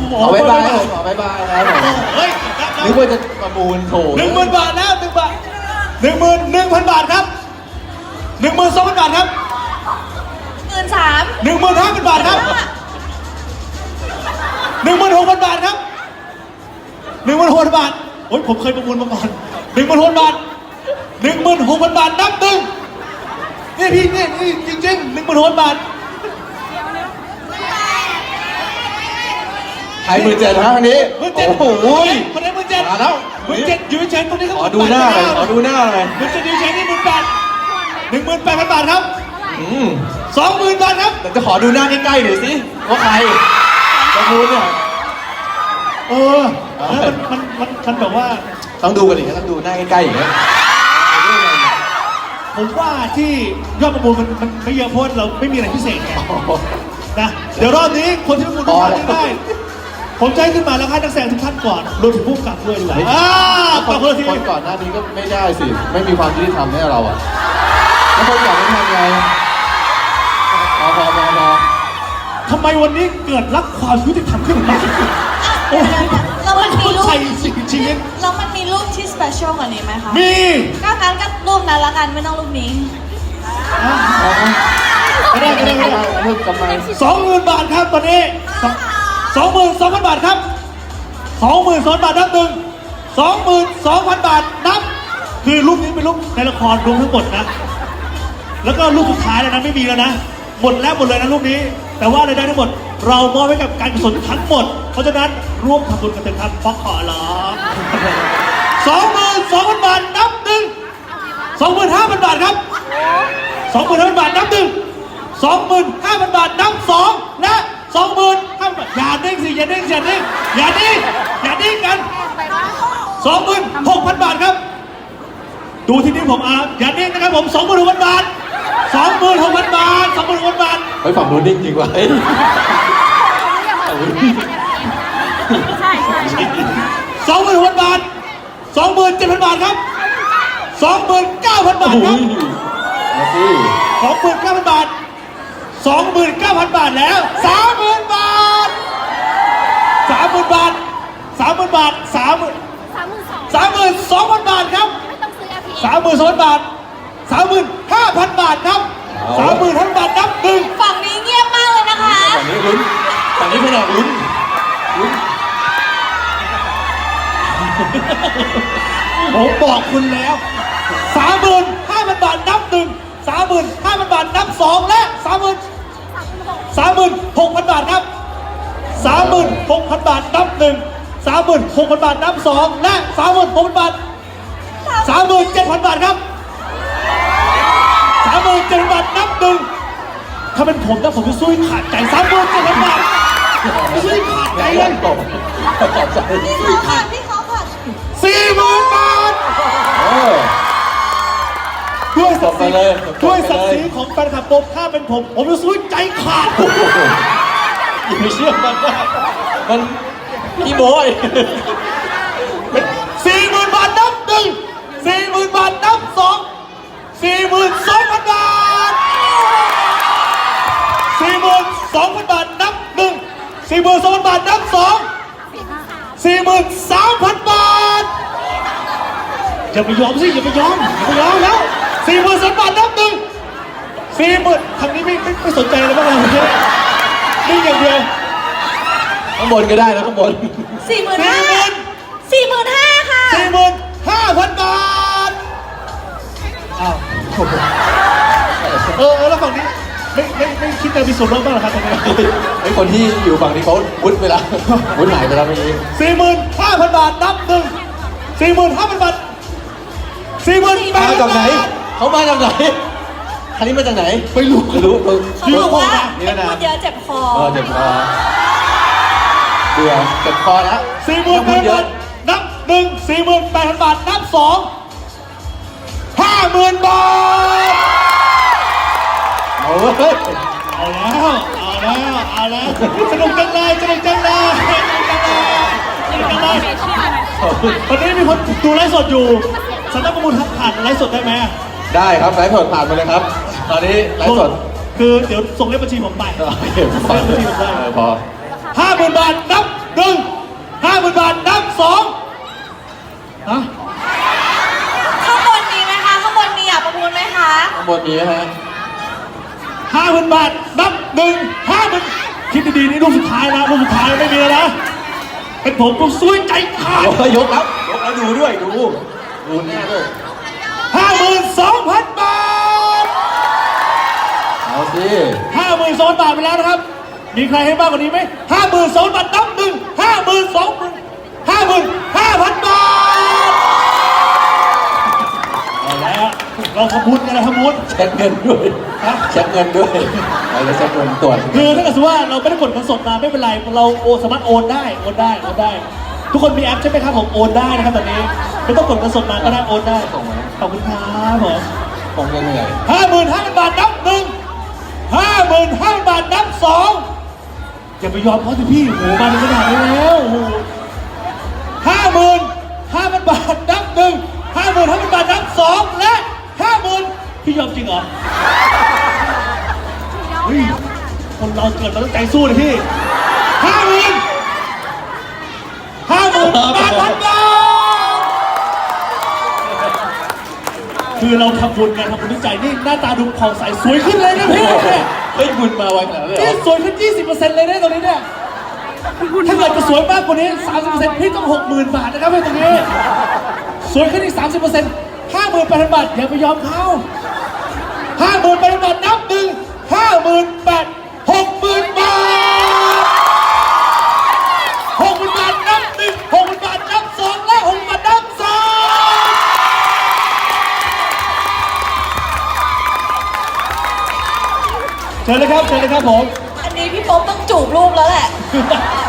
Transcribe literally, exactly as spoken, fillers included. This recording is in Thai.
ขอบ๊ายบายขอบ๊ายบายครับผมเฮ้ยนึกว่าจะประมูลโถหนึ่งหมื่นบาทแล้วหนึ่งบาทหนึ่งหมื่นหนึ่งพันบาทครับหนึ่งหมื่นสองพันบาทครับหมื่นสามหนึ่งหมื่นห้าพันบาทครับหนึ่งหมื่นหกพันบาทครับหนึ่งหมื่นหกพันบาทโอ้ยผมเคยประมูลมาก่อนหนึ่งหมื่นหกพันบาทหนึ่งหมื่นหกพันบาทนับหนึ่งนี่พี่นี่นี่จริงๆหนึ่งหมื่นหกพันบาทไทยหมื่นเจ็ดนะอันนี้หมื่นเจ็ดโอ้โหคนไหนหมื่นเจ็ดมาแล้วหมื่นเจ็ดอยู่เฉยๆตรงนี้ครับขอดูหน้าเลยขอดูหน้าเลยหมื่นเจ็ดอยู่เฉยๆนี่หมื่นแปดหนึ่งหมื่นแปดพันบาทครับอืมสองหมื่นบาทครับแต่จะขอดูหน้าใกล้ๆหน่อยสิว่าใครประมูลเนี่ยเออแล้วมันมันมันแบบว่าต้องดูกันอีกต้องดูหน้าใกล้ๆอย่างเงี้ยผมว่าที่ยอดประมูลมันมันไม่เยอะเพราะเราไม่มีอะไรพิเศษไงนะเดี๋ยวรอบนี้คนที่ประมูลทุกท่านได้ผมจะให้ขึ้นมาแล้วให้นักแสดงทุกท่านก่อนรวมถึงผู้กำกับด้วยดีกว่าอ่าคนคนละทีคนก่อนหน้านี้ก็ไม่ได้สิไม่มีความยุติธรรมให้เราอ่ะแล้วคนก่อนไม่ทำไงพอพอพอพอทำไมวันนี้เกิดรักความยุติธรรมขึ้นมาโอ้ยเรามันมีรูปชีวิตเรามันมีรูปที่สเปเชียลกว่านี้ไหมคะมีก็งั้นก็รูปนั้นละกันไม่ต้องรูปนี้ไม่ได้ไม่ได้ไม่ได้กำไรสองหมื่นบาทครับตอนนี้สองหมื่นสองพันบาทครับสองหมื่นสองพันบาทนับหนึ่งสองหมื่นสองพันบาทนับคือรูปนี้เป็นรูปในละครรวมทั้งหมดนะแล้วก็รูปสุดท้ายแล้วนะไม่มีแล้วนะหมดแล้วหมดเลยนะรูปนี้แต่ว่าอะไรได้ทั้งหมดเรามอบให้กับการกุศลทั้งหมดเพราะฉะนั้นร่วมทำบุญกันเถอะครับฟอกขอร้องสองหมื่นสองพันบาทนับหนึ่งสองหมื่นห้าพันบาทครับสองหมื่นห้าพันบาทนับหนึ่งสองหมื่นห้าพันบาทนับสองและสองหมื่นห้าพันบาทอย่าดิ้งสิอย่าดิ้งอย่าดิ้งอย่าดิ้งอย่าดิ้งกันสองหมื่นหกพันบาทครับดูที่นี่ผมอาอย่าดิ้งนะครับผมสองหมื่นหกพันบาทสองหมื่นหกพันบาทสองหมื่นหกพันบาทไปฝั่งนู้นดิ้งจริงว่ะใช่ใช่สองหมื่นหกพันบาทสองหมื่นเจ็ดพันบาทครับสองหมื่นเก้าพันบาทครับสองหมื่นเก้าพันบาทสองหมื่นเก้าพันบาทแล้วสามหมื่นบาทสามหมื่นบาทสามหมื่นบาทสามหมื่นสามหมื่นสองพันบาทครับสามหมื่นสองพันบาทสามหมื่นห้าพันบาทครับสามหมื่นห้าพันบาทนับหนึ่งฝั่งนี้เงียบมากเลยนะคะฝั่งนี้ลุ้นฝั่งนี้แผนกลุ้นลุ้นผมบอกคุณแล้วสามหมื่นห้าพันบาทนับหนึ่งสามหมื่นห้าพันบาทนับสองและสามหมื่นสามหมื่นหกพันบาทครับสามหมื่นหกพันบาทนับหนึ่งสามหมื่นหกพันบาทนับสองและสามหมื่นหกพันบาทสามหมื่นเจ็ดพันบาทครับสามหมื่นเจ็ดพันบาทนับหนึ่งถ้าเป็นผมนะผมจะสู้ขาดใจสามหมื่นเจ็ดพันบาทไม่สู้ขาดใจเลยตกตกใจพี่เขาผัดพี่เขาผัดสี่หมื่นบาทด้วยศักดิ์ศรีด้วยศักดิ์ศรีของแฟนคลับผมถ้าเป็นผมผมจะสู้ใจขาดอย่าไปเชื่อมันนะมันขี้โม้ยสี่หมื่นบาทนับหนึ่งสี่หมื่นบาทนับสองสี่หมื่นสองพันบาทสี่หมื่นสองพันบาทนับหนึ่งสี่หมื่นสองพันบาทนับสองสี่หมื่นสามพันบาทอย่าไปยอมสิอย่าไปยอมอย่าไปยอมแล้วสี่หมื่นสามบาทนับหนึ่งสี่หมื่นทางนี้ไม่ไม่ไม่สนใจเลยบ้างเลยนี่อย่างเดียวข้างบนก็ได้นะข้างบนสี่หมื่นห้าสี่หมื่นห้าค่ะสี่หมื่นห้าพันบาทอ้าวเออแล้วฝั่งนี้ไม่ไม่ไม่คิดจะมีส่วนร่วมบ้างเหรอครับตรงนี้ไอ้คนที่อยู่ฝั่งนี้เขาวุ้นไปแล้ววุ้นหายไปแล้วเมื่อกี้สี่หมื่นห้าพันบาทนับหนึ่งสี่หมื่นห้าพันบาทสี่หมื่นแปดพันบาทเขามาจากไหนคันนี้มาจากไหนไม่รู้ไม่รู้เขาบอกว่าไม่พูดเยอะเจ็บคอเออเจ็บคอเบื่อเจ็บคอแล้วสี่หมื่นแปดพันนับหนึ่งสี่หมื่นแปดพันบาทนับสองห้าหมื่นบาทเอาเลยเอาแล้วเอาแล้วเอาแล้วสนุกจังเลยสนุกจังเลยสนุกจังเลยสนุกจังเลยตอนนี้มีคนดูไลฟ์สดอยู่สามารถประมูลผ่านไลฟ์สดได้ไหมได้ครับไลฟ์สดผ่านไปเลยครับตอนนี้ไลฟ์สดคือเดี๋ยวส่งเลขบัญชีผมไปเก็บบัญชีผมได้พอห้าหมื่นบาทนับหนึ่งบนนี้ฮะห้าหมื่นบาทนับหนึ่งห้าหมื่นคิดดีๆนี่ลูกสุดท้ายนะลูกสุดท้ายไม่มีแล้วนะเป็นผมก็ซวยใจขาดยกแล้วยกแล้วยกแล้วดูด้วยดูดูหน้าด้วยห้าหมื่นสองพันบาทเอาสิห้าหมื่นสองพันบาทไปแล้วนะครับมีใครให้มากกว่านี้ไหมห้าหมื่นสองพันบาทนับหนึ่งห้าหมื่นสองหมื่นห้าหมื่นห้าพันบาทเอาแล้วเราทำบุญกันนะทำบุญเช็คเงินด้วยฮะเช็คเงินด้วยเราจะเช็คเงินตรวจคือถ้าเกิดสมมุติว่าเราไม่ได้กดเงินสดมาไม่เป็นไรเราโอนสามารถโอนได้โอนได้โอนได้ ทุกคนมีแอปใช่ไหมครับผมโอนได้นะครับตอนนี้ไม่ต้องกดเงินสดมาก็ได้โอนได้ขอบคุณครับผมคงจะเหนื่อยห้าหมื่นห้าพันบาทนับหนึ่งห้าหมื่นห้าพันบาทนับสองอย่าไปยอมเขาสิพี่โหมาเป็นขนาดนี้แล้วห้าหมื่นห้าพันบาทนับหนึ่งห้าหมื่นห้าพันบาทนับสองและห้าหมื่นพี่ยอมจริงเหรอเฮ้ยคนเราเกิดมาต้องใจสู้เลยพี่ห้าหมื่นห้าหมื่นแปดพันบาทคือเราทำบุญกันทำบุญด้วยใจนี่หน้าตาดูผ่องใสสวยขึ้นเลยนะพี่เฮ้ยคุณมาไวขนาดนั้นเลยเหรนี่อสวยขึ้น ยี่สิบเปอร์เซ็นต์ เลยนะตรงนี้เนี่ยถ้าเกิดจะสวยมากกว่านี้ สามสิบเปอร์เซ็นต์ พี่ต้อง หกหมื่น บาทนะครับพี่ตรงนี้สวยขึ้นอีก สามสิบเปอร์เซ็นต์ ห้าหมื่นแปดพัน บาทอย่าไปยอมเขา ห้าหมื่นแปดพัน บาทนับหนึ่ง ห้าหมื่นแปด หกหมื่น บาท หกหมื่น บาทนับหนึ่ง หกหมื่น บาทนับสองและหกหมื่น บาทนับสามเชิญเลยครับเชิญเลยครับผมอันนี้พี่โป๊ปต้องจูบรูปแล้วแหละ